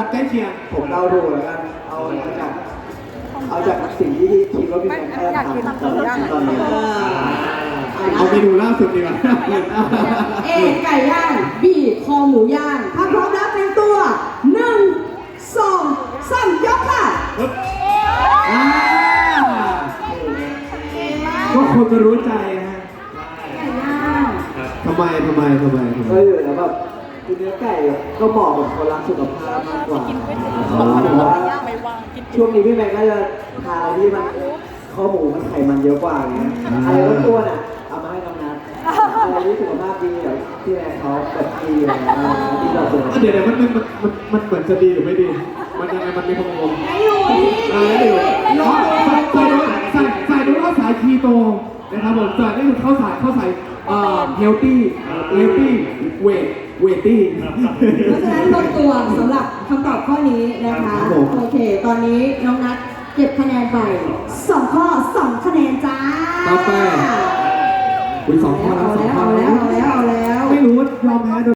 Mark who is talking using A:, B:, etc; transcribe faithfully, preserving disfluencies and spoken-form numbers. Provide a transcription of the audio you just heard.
A: ใกล้เคียง
B: ผมเดาดูแล้วกันเอาเอาจากเอาจากสิ่งที่คิดว่าพี่แม็กซ์จะทำตอนนี้
A: เอาเมนูล่าสุดดีกว่า
C: เอไก่ย่างบีคอหมูย่างถ้าพร้อมแล้วเตรียมตัวหนึ่งสองสามยกค่ะ
A: อ่าก็คนจะรู้ใจฮะ
C: ไก่ย่าง
A: ทำไมทำไมทำไมทำไม
B: ก็อยู่แล้วแบบคือเนื้อไก่ก็เหมาะกับคนรักสุขภาพมากกว่าแต่ว่าช่วงนี้พี่แม็กซ์น่าจะทานอะไรที่มันข้อหมูมันไขมันเยอะกว่าอย่างเงี้ยอะไรอ้วนๆอ่ะเอามาให้น้องนัทอะไรที่สุขภาพดีแบบที่แม็กซ์เขาแบบดีอะไรเงี้ยที่เราเจอ
A: เดี๋ยวเดี๋ยวมันมันมันมันเหมือนจะดีหรือไม่ดี มันยังไงมันมีความงง
C: ไม่อยู่นี่
A: อ่าแล้วอยู่อ๋อใส่ใส่ใส่ดูว่าสายคีโตนะครับผมส่วนนี่คือข้าวสายข้าวสายเอ่อเฮลตี้เฮลตี้เวทเวทตี้
C: เพราะฉะนั้นลงตัวสำหรับคำตอบข้อนี้นะคะ
A: ครับผม
C: โอเค ตอนนี้น้องนัทเก็บคะแนนไปสองข้อสองคะแนนจ้า
A: ต่อไป อุ้ยสองข้อแล้วสองข้อ
C: เอาแล้วเอาแล้วเอาแล้ว
A: ไม่รู้ว่ายอมแพ้